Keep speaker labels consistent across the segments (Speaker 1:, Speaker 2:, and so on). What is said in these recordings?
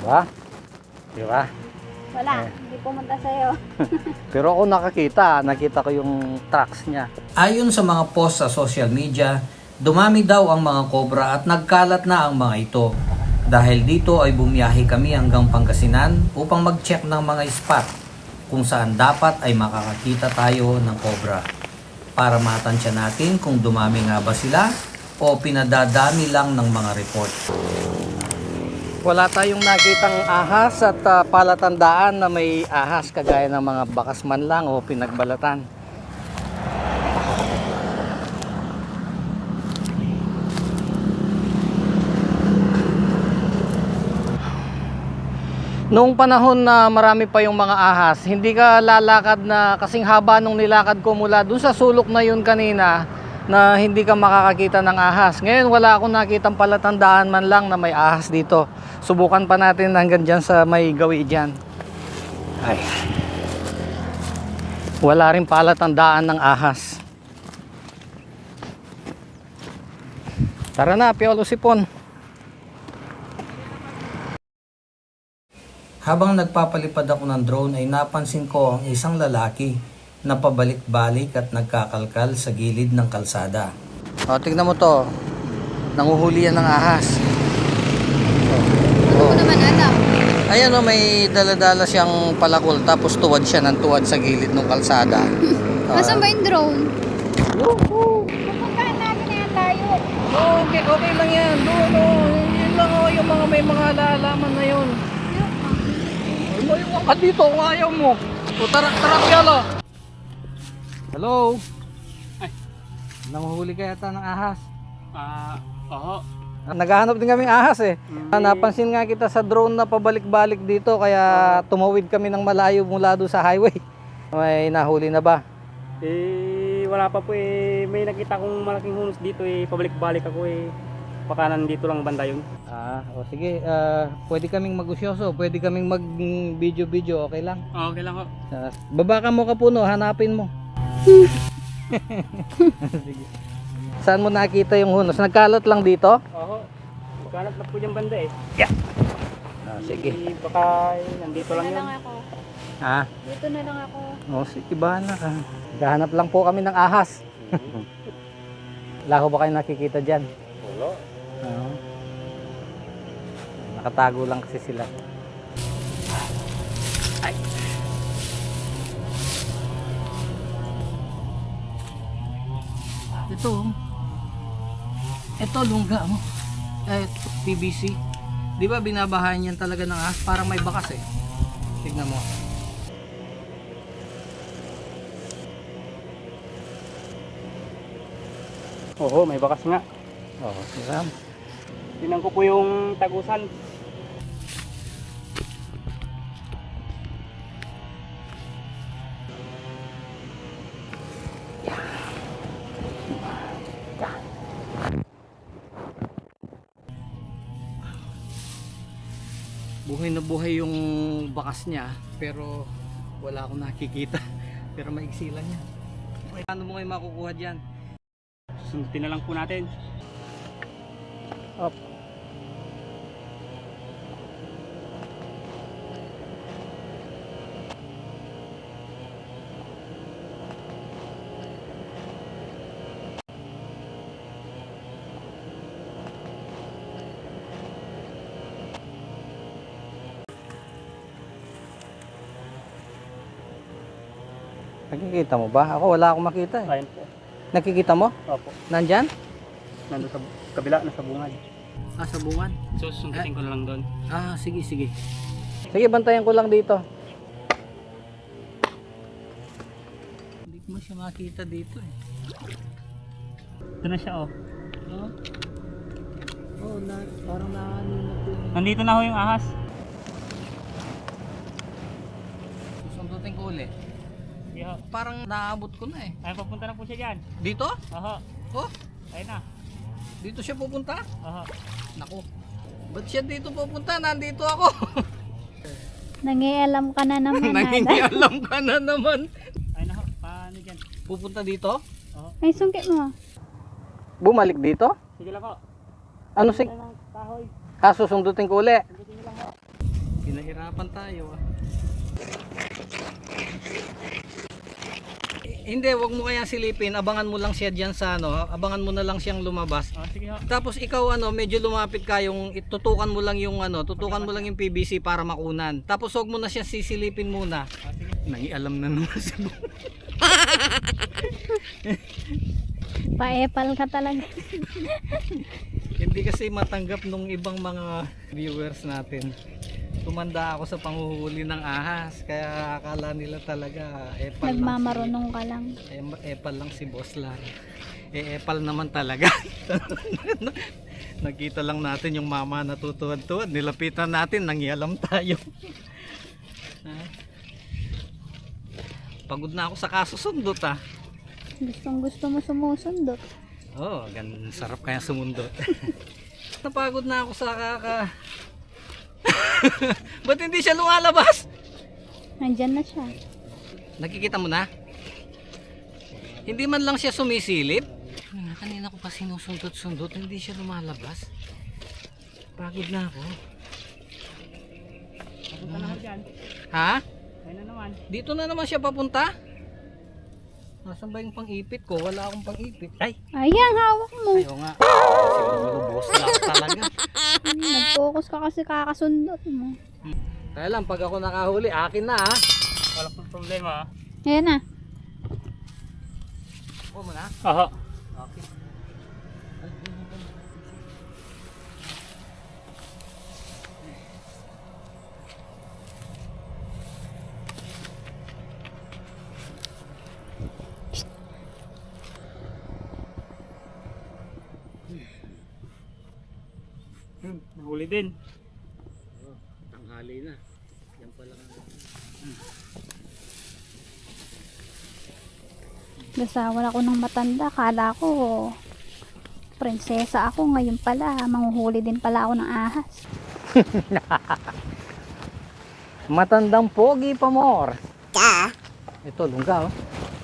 Speaker 1: ba? Di ba?
Speaker 2: Wala, hindi pumunta sa'yo.
Speaker 1: Pero ako nakita ko yung tracks niya.
Speaker 3: Ayon sa mga post sa social media, dumami daw ang mga cobra at nagkalat na ang mga ito. Dahil dito ay bumiyahe kami hanggang Pangasinan upang mag-check ng mga spot kung saan dapat ay makakakita tayo ng cobra. Para matansya natin kung dumami nga ba sila o pinadadami lang ng mga report.
Speaker 1: Wala tayong nakitang ahas at palatandaan na may ahas kagaya ng mga bakas man lang o pinagbalatan. Noong panahon na marami pa yung mga ahas, hindi ka lalakad na kasing haba nung nilakad ko mula dun sa sulok na yun kanina na hindi ka makakakita ng ahas. Ngayon wala akong nakitang palatandaan man lang na may ahas dito. Subukan pa natin hanggang dyan sa may gawi dyan. Ay. Wala rin palatandaan ng ahas. Tara na, Piolo Sipon.
Speaker 3: Habang nagpapalipad ako ng drone ay napansin ko ang isang lalaki na pabalik-balik at nagkakalkal sa gilid ng kalsada.
Speaker 1: O, tignan mo to. Nanguhuli yan ng ahas.
Speaker 2: Ano mo naman alam?
Speaker 1: Ayan o, may daladala siyang palakol tapos tuwad siya ng tuwad sa gilid ng kalsada.
Speaker 2: Nasaan ba yung drone?
Speaker 1: Woohoo!
Speaker 2: Pupuntahan namin na yan tayo.
Speaker 1: Okay, okay lang yan. Doon o. Yun lang o, yung mga may mga lalaman na yun. Ay, maiwan ka dito kung ayaw mo. O, tara, Piolo. Hello?
Speaker 4: Ay.
Speaker 1: Nanguhuli ka yata ng ahas.
Speaker 4: Oo.
Speaker 1: Naghahanap din kami ahas eh. Napansin nga kita sa drone na pabalik-balik dito kaya tumawid kami ng malayo mula doon sa highway. May nahuli na ba?
Speaker 4: Wala pa po eh. May nakita kong malaking hunos dito eh. Pabalik-balik ako eh. Baka nandito lang banda yun.
Speaker 1: O sige, pwede kaming magusyoso, pwede kaming mag-video-video, okay lang?
Speaker 4: Okay lang ho.
Speaker 1: Baba ka mo Kapuno, hanapin mo. Sige. Saan mo nakita yung hunos? Nagkalat lang dito?
Speaker 4: Oo. Magkanap na po yung banda eh.
Speaker 1: Sige.
Speaker 4: Baka nandito lang
Speaker 2: Dito na
Speaker 4: yun.
Speaker 2: lang ako.
Speaker 1: Ha?
Speaker 2: Dito na lang ako.
Speaker 1: Sige bahala ka. Gahanap lang po kami ng ahas. Wala ko ba kayo nakikita dyan?
Speaker 4: Wala.
Speaker 1: Oo. Nakatago lang kasi sila. Ay. Ito lungga mo. PVC. Di ba binabahan yan talaga ng ahas? Parang may bakas eh. Tignan mo.
Speaker 4: Oo, may bakas nga.
Speaker 1: Oo, Ram.
Speaker 4: Tinan ko po yung tagusan.
Speaker 1: Buhay na buhay yung bakas niya pero wala akong nakikita. Pero maigsi lang yan. Paano mo kayo makukuha dyan?
Speaker 4: Sundutin na lang po natin.
Speaker 1: Up. Nakikita mo ba? Ako wala akong makita eh.
Speaker 4: Ayun po.
Speaker 1: Nakikita mo?
Speaker 4: Opo.
Speaker 1: Nandyan?
Speaker 4: Nandun sa kabila, nasa bungad.
Speaker 1: Sa bungan.
Speaker 4: So sundutin ko na lang doon.
Speaker 1: Sige, sige. Sige, bantayan ko lang dito. Hindi ko siya makita dito eh.
Speaker 4: Ito na siya oh.
Speaker 1: Parang nakaninap yung...
Speaker 4: Nandito na ho yung ahas.
Speaker 1: Susundutin ko ulit.
Speaker 4: Yo.
Speaker 1: Parang naabot ko na eh.
Speaker 4: Ay, papunta na po siya dyan.
Speaker 1: Dito?
Speaker 4: Aha.
Speaker 1: Oh,
Speaker 4: Ayun na.
Speaker 1: dito siya pupunta?
Speaker 4: Aha.
Speaker 1: Naku. Ba't siya dito pupunta? Nandito ako.
Speaker 2: Nangialam ka na naman.
Speaker 1: Nangingialam ka na naman.
Speaker 4: Ayun na ho. Paano dyan?
Speaker 1: Pupunta dito?
Speaker 4: Oo.
Speaker 2: Ay, sungkit mo.
Speaker 1: Bumalik dito?
Speaker 4: Sige lang ho.
Speaker 1: Ano si...
Speaker 4: Kahoy.
Speaker 1: Susundutin ko uli.
Speaker 4: Sundutin niyo lang ho.
Speaker 1: Hirapan tayo ah. Hindi, wag mo kaya silipin. Abangan mo lang siya diyan sa ano, abangan mo na lang siyang lumabas.
Speaker 4: Sige ha.
Speaker 1: Tapos ikaw ano, medyo lumapit ka yung tutukan mo lang yung ano, tutukan mo lang yung PVC para makunan. Tapos wag mo na siya sisilipin muna.
Speaker 4: Sige.
Speaker 1: Nangialam na naman sa
Speaker 2: Pa-epal ka talaga.
Speaker 1: Hindi kasi matanggap nung ibang mga viewers natin. Tumanda ako sa panghuhuli ng ahas, kaya akala nila talaga epal
Speaker 2: Nagmamarunong ka lang.
Speaker 1: epal lang si Boss Lar. Epal naman talaga. Nakita lang natin yung mama natutuwad-tuwad, nilapitan natin, nangyalam tayo. Pagod na ako sa kasusundot ah.
Speaker 2: Gustong gusto mo sumusundot.
Speaker 1: Oh, sarap kaya sumundot. Napagod na ako sa Ba't hindi siya lumalabas?
Speaker 2: Nandyan na siya.
Speaker 1: Nakikita mo na? Hindi man lang siya sumisilip. Kanina ko pa sinusundot-sundot, hindi siya lumalabas. Pagod na ako.
Speaker 4: Papunta na ako dyan.
Speaker 1: Ha?
Speaker 4: Ayun na naman.
Speaker 1: Dito na naman siya papunta? Nasaan ba yung pang-ipit ko? Wala akong pang-ipit. Ay!
Speaker 2: Ayan, hawak mo.
Speaker 1: Ayaw nga. Siguro boss lang talaga.
Speaker 2: Nag-focus ka kasi kakasundot mo.
Speaker 1: Kaya lang, pag ako nakahuli, akin na ha.
Speaker 4: Wala pong problema ha.
Speaker 2: Ayan na.
Speaker 1: Ako mo na?
Speaker 4: Aha.
Speaker 1: Okay.
Speaker 4: Nahuli din.
Speaker 1: Tanghali na. Yan pa lang.
Speaker 2: Gasawan ako ng matanda. Kala ko prinsesa ako. Ngayon pala, manghuhuli din pala ako ng ahas.
Speaker 1: Matandang pogi pa more. Ito, lungga oh.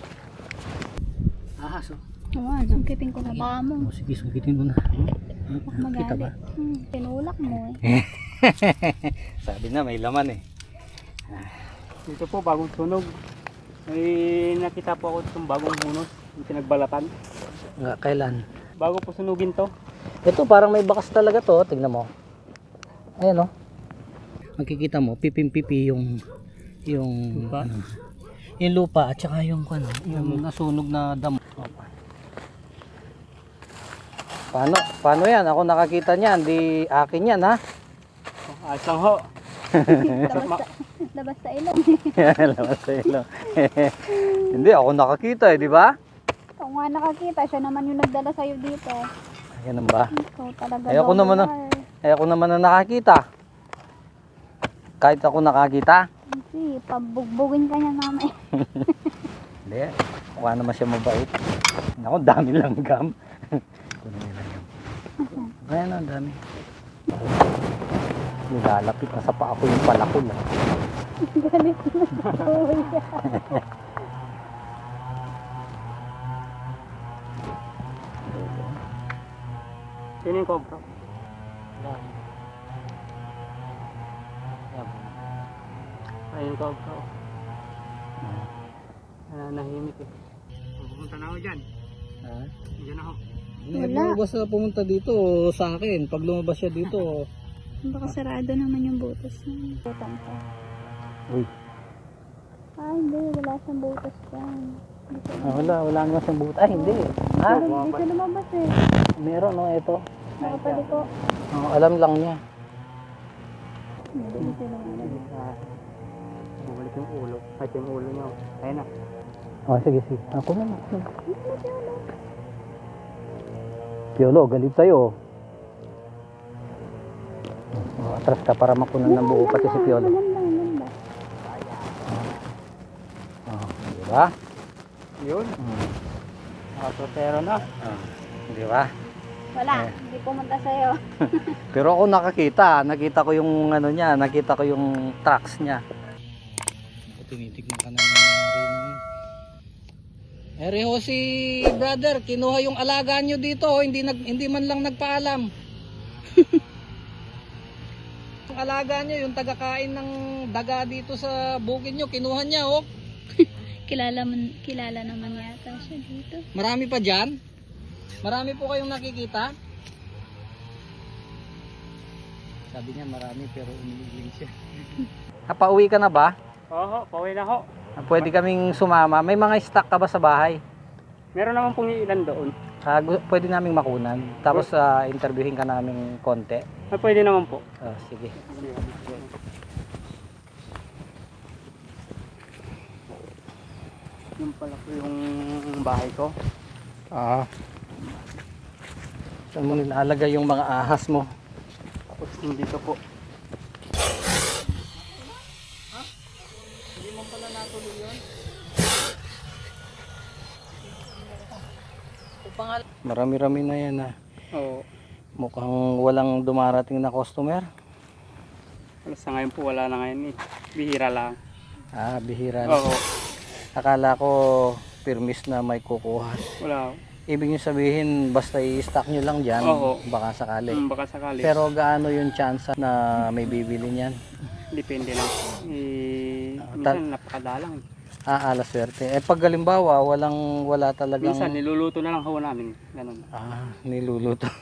Speaker 1: Ahas oh.
Speaker 2: Ayan, sungkitin ko na baka mo.
Speaker 1: Sige, sungkitin mo na.
Speaker 2: Baka
Speaker 1: Kita ba?
Speaker 2: magalit. Tinulak mo eh.
Speaker 1: Sabi na, may laman eh.
Speaker 4: Dito po bagong tunog. May nakita po ako itong bagong hunos. Yung pinagbalatan.
Speaker 1: Nga, kailan?
Speaker 4: Bago po sunugin to.
Speaker 1: Ito, parang may bakas talaga to. Tignan mo. Ayan oh. Makikita mo, pipim-pipi yung
Speaker 4: Lupa?
Speaker 1: ano, yung lupa at saka yung yung nasunog na damo. Paano yan? Ako nakakita niyan, di akin yan ha.
Speaker 4: Ayos lang ho.
Speaker 2: Labas sa ilong.
Speaker 1: Labas sa ilong. Hindi, ako nakakita di ba?
Speaker 2: Ikaw nga nakakita. Siya naman yung nagdala sa'yo dito.
Speaker 1: Ganun ba?
Speaker 2: Ikaw talaga.
Speaker 1: Ako naman ako naman na nakakita. Kahit ako nakakita.
Speaker 2: Hindi, pabugbugin ka niya mamaya.
Speaker 1: Hindi, mukha naman siya mabait. Ako, dami lang gam. Kunin nila yan. Ayan na, dami. Nilalapit na sa paa ko yung palakol.
Speaker 2: Galit na kuya.
Speaker 4: Sino yung cobra? Ayun yung cobra. Nahimik eh. Pupunta na ako dyan.
Speaker 1: Ha?
Speaker 4: Diyan ako.
Speaker 2: Wala.
Speaker 1: Lumabas na pumunta dito sa akin. Pag lumabas siya dito,
Speaker 2: Baka sarado naman yung butas niya. Butang ka.
Speaker 1: uy,
Speaker 2: Ay, hindi. Wala siyang butas dyan.
Speaker 1: wala naman siyang buta. Ay, hindi. Ha?
Speaker 2: Hindi siya lumabas eh.
Speaker 1: Meron, no, ito.
Speaker 2: Nakapaliko.
Speaker 1: Oh, alam lang niya.
Speaker 2: Hindi siya lumabas.
Speaker 4: Bumalik yung ulo. Kahit yung ulo niya. Ayun na.
Speaker 1: Oh, sige. Ako naman. Piolo, galit tayo. Oh, atras ka para makunan ng buo pati si Piolo.
Speaker 2: Maganda.
Speaker 1: Oh, di ba?
Speaker 4: Yun. Nakasotero na.
Speaker 1: Oh, di ba?
Speaker 2: Wala. Hindi pumunta sa'yo.
Speaker 1: Pero ako nakita ko yung ano niya, nakita ko yung tracks niya. Tinitignan ka na rin. Ereho si brother, kinuha yung alaga nyo dito, hindi man lang nagpaalam. Yung alaga nyo, yung tagakain ng daga dito sa bukid nyo, kinuha niya oh.
Speaker 2: Kilala naman yata siya dito.
Speaker 1: Marami pa dyan? Marami po kayong nakikita? Sabi niya marami pero umiiling siya. Pauwi ka na ba?
Speaker 4: Oo, pauwi na ho.
Speaker 1: Pwede kaming sumama. May mga stock ka ba sa bahay?
Speaker 4: Meron naman pong ilan doon.
Speaker 1: Pwede naming makunan. Tapos interviewin ka namin konti.
Speaker 4: Pwede naman po.
Speaker 1: Sige.
Speaker 4: Yung pala po yung bahay ko.
Speaker 1: Saan mo nilalagay yung mga ahas mo?
Speaker 4: Tapos yung dito po.
Speaker 1: Hindi mo pala natuloy yun? Marami-rami na yan
Speaker 4: Oo.
Speaker 1: Mukhang walang dumarating na customer.
Speaker 4: Sa ngayon po wala na ngayon eh. Bihira lang.
Speaker 1: Bihira na.
Speaker 4: Oo.
Speaker 1: Akala ko permis na may kukuha.
Speaker 4: Wala.
Speaker 1: Ibig nyo sabihin basta i-stock nyo lang dyan,
Speaker 4: Oo.
Speaker 1: baka sakali.
Speaker 4: Baka sakali.
Speaker 1: Pero gaano yung chance na may bibili niyan?
Speaker 4: Depende lang. Minsan napakadalang.
Speaker 1: Alas swerte. Pag halimbawa, wala talagang...
Speaker 4: Minsan niluluto na lang ho namin. Ganun.
Speaker 1: Niluluto.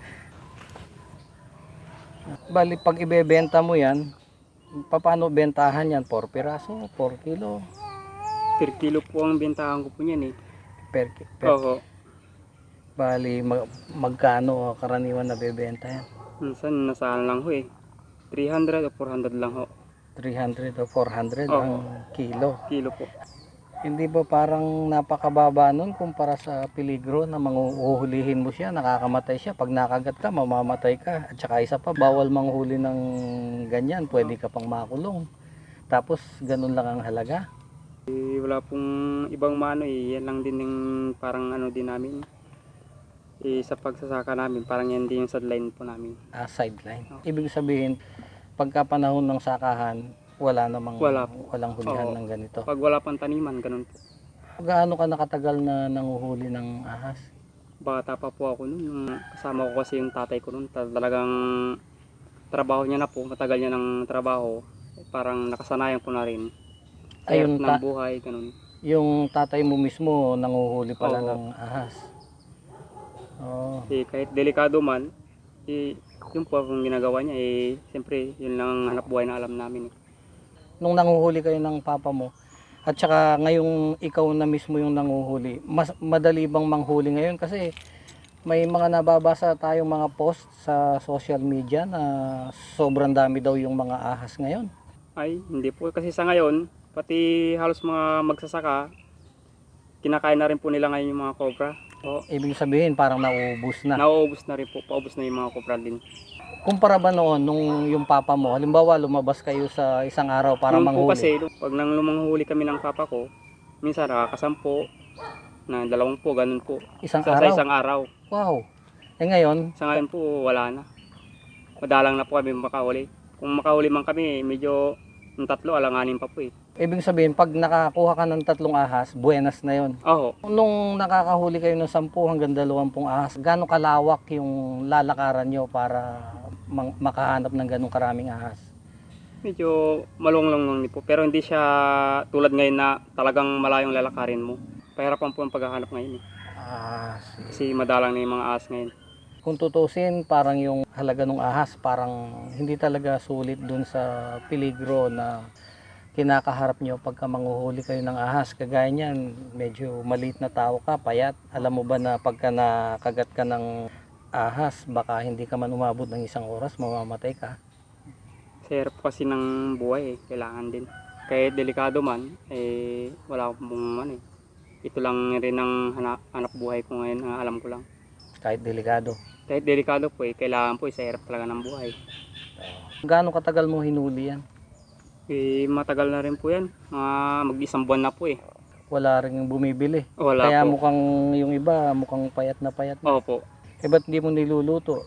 Speaker 1: Bali, pag ibebenta mo yan, paano bentahan yan? 4 piraso, 4 kilo?
Speaker 4: Per kilo po ang bentahan ko po niyan eh.
Speaker 1: Per
Speaker 4: Oo.
Speaker 1: Bali, magkano karaniwan na bebenta yan?
Speaker 4: Minsan nasaan lang ho eh. 300 o 400 lang ho.
Speaker 1: 300 o 400
Speaker 4: Oo.
Speaker 1: ang kilo.
Speaker 4: Kilo po.
Speaker 1: Hindi ba parang napakababa nun kumpara sa peligro na manguhulihin mo siya, nakakamatay siya. Pag nakagat ka, mamamatay ka. At saka isa pa, bawal manghuli ng ganyan. Pwede ka pang makulong. Tapos, ganun lang ang halaga.
Speaker 4: Wala pong ibang mano eh. Yan lang din yung parang ano din namin. Sa pagsasaka namin, parang yan din yung sideline po namin.
Speaker 1: Sideline.
Speaker 4: Oo.
Speaker 1: Ibig sabihin, pagka panahon ng sakahan, walang hulihan
Speaker 4: Oo.
Speaker 1: ng ganito.
Speaker 4: Pag wala pang taniman, ganun po.
Speaker 1: Gaano ka nakatagal na nanguhuli ng ahas?
Speaker 4: Bata pa po ako noon. Yung kasama ko kasi yung tatay ko noon. Talagang trabaho niya na po. Matagal niya ng trabaho. Parang nakasanayan ko na rin.
Speaker 1: Ayun,
Speaker 4: Ng buhay, ganun.
Speaker 1: yung tatay mo mismo nanguhuli pala
Speaker 4: Oo.
Speaker 1: ng ahas.
Speaker 4: Kahit delikado man, yun po ang ginagawa niya. Siyempre, yun lang ang hanap buhay na alam namin.
Speaker 1: Nung nanguhuli kayo ng papa mo, at saka ngayong ikaw na mismo yung nanguhuli, mas madali bang manghuli ngayon? Kasi may mga nababasa tayong mga post sa social media na sobrang dami daw yung mga ahas ngayon.
Speaker 4: Ay, hindi po. Kasi sa ngayon, pati halos mga magsasaka, kinakain na rin po nila ngayon yung mga cobra.
Speaker 1: Ibig sabihin parang nauubos na.
Speaker 4: Nauubos na rin po. Paubos na yung mga cobra din.
Speaker 1: Kumpara ba noon nung yung papa mo, halimbawa lumabas kayo sa isang araw para
Speaker 4: Noon po
Speaker 1: manghuli?
Speaker 4: kasi, pag nang lumanghuli kami ng papa ko, minsan nakakasampo, na 20, ganun po.
Speaker 1: Isang
Speaker 4: Sa
Speaker 1: araw?
Speaker 4: isang araw.
Speaker 1: Wow. Ngayon,
Speaker 4: Sa ngayon po, wala na. Madalang na po kami makahuli. Kung makahuli man kami, medyo yung 3, alanganin pa po eh.
Speaker 1: ibig sabihin pag nakakuha ka ng 3 ahas, buenas na yon.
Speaker 4: Oo.
Speaker 1: Nung nakakahuli kayo ng 10 hanggang 20 ahas, gaano kalawak yung lalakaran nyo para makahanap ng ganong karaming ahas?
Speaker 4: Medyo malunglong lang po. Pero hindi siya tulad ngayon na talagang malayong lalakarin mo. Pahirapan po ang paghahanap ngayon eh. Kasi madalang na yung mga ahas ngayon.
Speaker 1: Kung tutusin, parang yung halaga ng ahas, parang hindi talaga sulit dun sa peligro na kinakaharap nyo pagka manguhuli kayo ng ahas. Kagaya niyan, medyo maliit na tao ka, payat. Alam mo ba na pagka nakagat ka ng ahas, baka hindi ka man umabot ng 1 oras, mamamatay ka.
Speaker 4: Sa hirap kasi ng buhay eh. Kailangan din. Kahit delikado man, wala akong ano eh. Ito lang rin ang hanap buhay ko ngayon, alam ko lang.
Speaker 1: Kahit delikado.
Speaker 4: Kahit delikado po kailangan po sa hirap talaga ng buhay.
Speaker 1: Gaano katagal mo hinuli yan?
Speaker 4: Matagal na rin po yan. Mag-1 buwan na po eh.
Speaker 1: Wala rin yung bumibili.
Speaker 4: Wala
Speaker 1: Kaya
Speaker 4: po.
Speaker 1: mukhang yung iba, mukhang payat na payat na.
Speaker 4: Opo.
Speaker 1: Ba't hindi mo niluluto?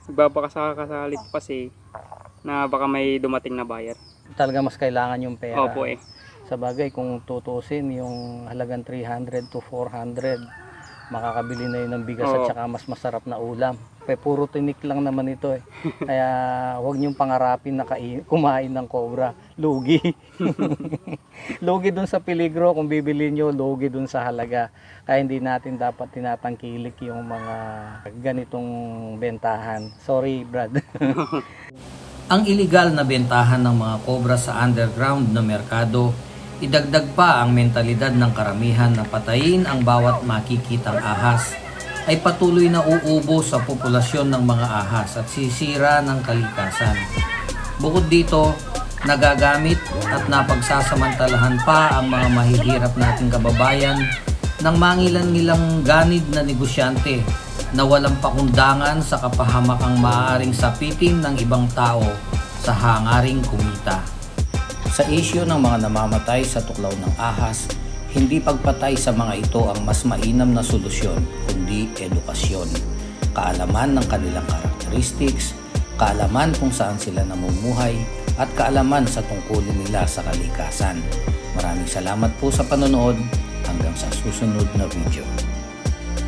Speaker 4: Baka kasi na baka may dumating na buyer.
Speaker 1: Talaga mas kailangan yung pera.
Speaker 4: Opo eh.
Speaker 1: Sa bagay, kung tutusin yung halagang 300 to 400, makakabili na yun ng bigas at
Speaker 4: Oo.
Speaker 1: saka mas masarap na ulam. Puro tinik lang naman ito eh. Kaya huwag niyong pangarapin na kumain ng cobra. Lugi. Lugi dun sa peligro. Kung bibili nyo, lugi dun sa halaga. Kaya hindi natin dapat tinatangkilik yung mga ganitong bentahan. Sorry, Brad.
Speaker 3: Ang iligal na bentahan ng mga kobra sa underground na merkado, idagdag pa ang mentalidad ng karamihan na patayin ang bawat makikitang ahas, ay patuloy na uubo sa populasyon ng mga ahas at sisira ng kalikasan. Bukod dito, nagagamit at napagsasamantalahan pa ang mga mahihirap nating kababayan ng mangilan-ngilang ganid na negosyante na walang pakundangan sa kapahamakang maaaring sapitin ng ibang tao sa hangaring kumita. Sa isyu ng mga namamatay sa tuklaw ng ahas, hindi pagpatay sa mga ito ang mas mainam na solusyon, kundi edukasyon, kaalaman ng kanilang characteristics, kaalaman kung saan sila namumuhay, at kaalaman sa tungkulin nila sa kalikasan. Maraming salamat po sa panonood. Hanggang sa susunod na video.